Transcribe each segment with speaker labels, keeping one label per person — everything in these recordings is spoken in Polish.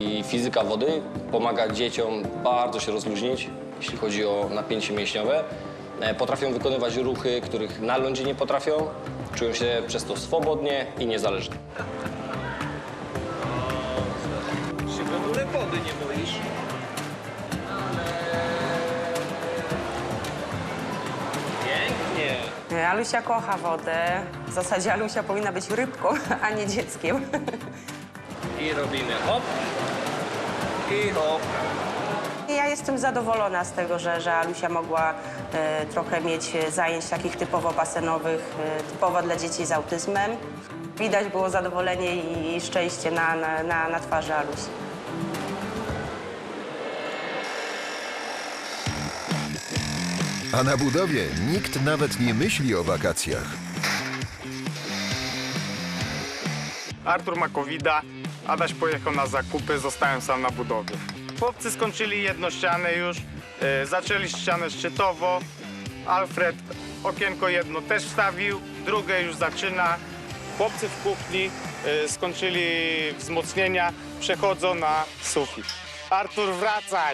Speaker 1: I fizyka wody pomaga dzieciom bardzo się rozluźnić, jeśli chodzi o napięcie mięśniowe. Potrafią wykonywać ruchy, których na lądzie nie potrafią. Czują się przez to swobodnie i niezależnie.
Speaker 2: Się w ogóle wody nie boisz? Pięknie.
Speaker 3: Alusia kocha wodę. W zasadzie Alusia powinna być rybką, a nie dzieckiem.
Speaker 2: I robimy hop. I hop.
Speaker 3: Ja jestem zadowolona z tego, że Alusia mogła trochę mieć zajęć takich typowo basenowych, typowo dla dzieci z autyzmem. Widać było zadowolenie i szczęście na twarzy Alusi.
Speaker 4: A na budowie nikt nawet nie myśli o wakacjach.
Speaker 5: Artur ma COVID-a, Adaś pojechał na zakupy, zostałem sam na budowie. Chłopcy skończyli jedną ścianę już, zaczęli ścianę szczytowo. Alfred okienko jedno też wstawił, drugie już zaczyna. Chłopcy w kuchni skończyli wzmocnienia, przechodzą na sufit. Artur, wracaj!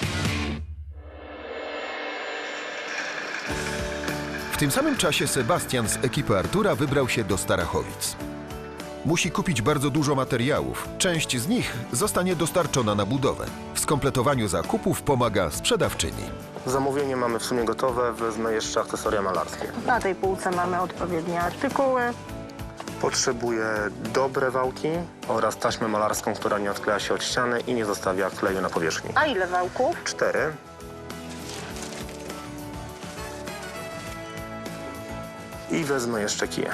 Speaker 4: W tym samym czasie Sebastian z ekipy Artura wybrał się do Starachowic. Musi kupić bardzo dużo materiałów. Część z nich zostanie dostarczona na budowę. W skompletowaniu zakupów pomaga sprzedawczyni.
Speaker 6: Zamówienie mamy w sumie gotowe, wezmę jeszcze akcesoria malarskie.
Speaker 7: Na tej półce mamy odpowiednie artykuły.
Speaker 6: Potrzebuję dobre wałki oraz taśmę malarską, która nie odkleja się od ściany i nie zostawia kleju na powierzchni.
Speaker 7: A ile wałków?
Speaker 6: 4. I wezmę jeszcze kije.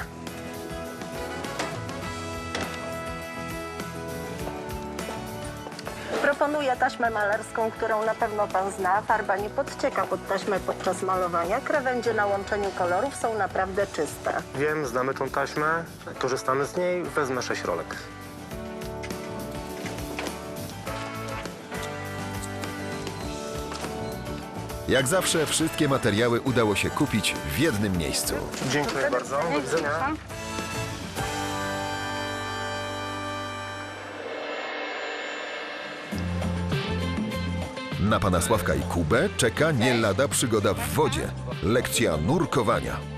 Speaker 7: Proponuję taśmę malarską, którą na pewno pan zna. Farba nie podcieka pod taśmę podczas malowania. Krawędzie na łączeniu kolorów są naprawdę czyste.
Speaker 6: Wiem, znamy tą taśmę, korzystamy z niej, wezmę 6 rolek.
Speaker 4: Jak zawsze wszystkie materiały udało się kupić w jednym miejscu.
Speaker 6: Dziękuję bardzo, do widzenia.
Speaker 4: Na pana Sławka i Kubę czeka nie lada przygoda w wodzie. Lekcja nurkowania.